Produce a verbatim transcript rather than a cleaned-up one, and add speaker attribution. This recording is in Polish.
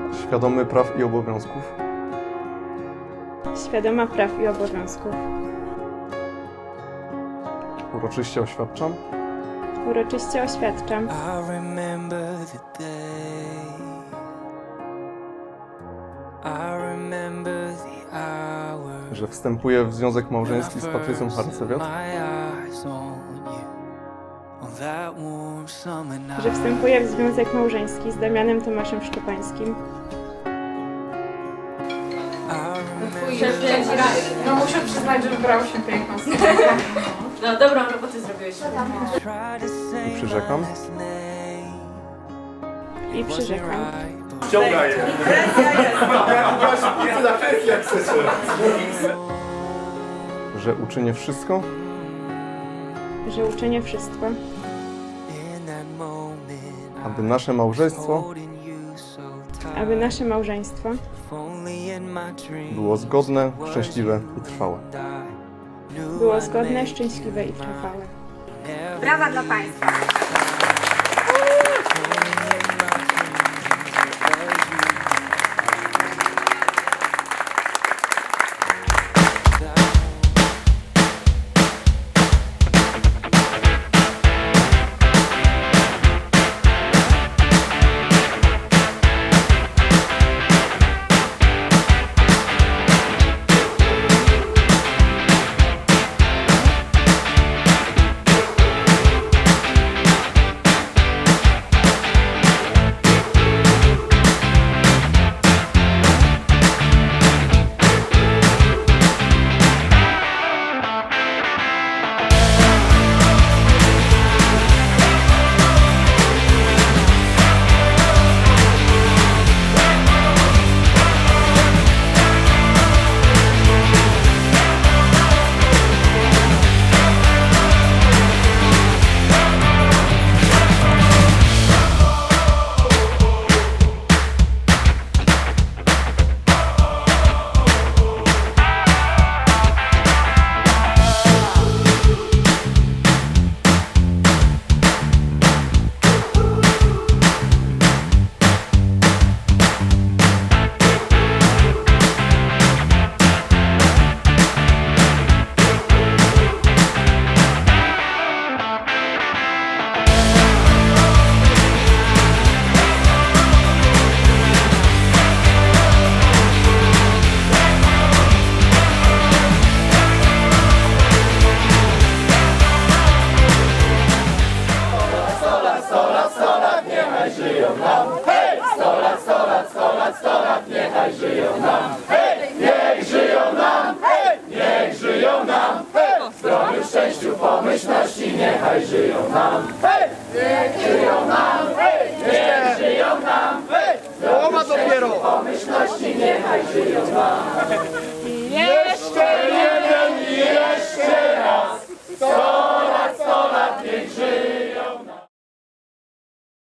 Speaker 1: Świadomy praw i obowiązków.
Speaker 2: Świadoma praw i obowiązków.
Speaker 1: Uroczyście oświadczam,
Speaker 2: Uroczyście oświadczam,
Speaker 3: I remember the day. I remember the hour.
Speaker 1: że wstępuję w związek małżeński z Patrycją Harcewiat,
Speaker 2: że wstępuję w związek małżeński z Damianem Tomaszem Szczepańskim.
Speaker 4: No muszę przyznać, że wybrał się piękną.
Speaker 5: No dobrą robotę zrobiłeś.
Speaker 1: i przyrzekam,
Speaker 2: I przyrzekam,
Speaker 6: Ciągaj je. Presja na presję, jak chcecie.
Speaker 1: że uczynię wszystko,
Speaker 2: że uczynię wszystko,
Speaker 1: aby nasze małżeństwo
Speaker 2: aby nasze małżeństwo
Speaker 1: było zgodne, szczęśliwe i trwałe.
Speaker 2: było zgodne, szczęśliwe i trwałe.
Speaker 4: Brawa dla Państwa.
Speaker 6: Połowa dopiero. Pomyślności niechaj żyją nam.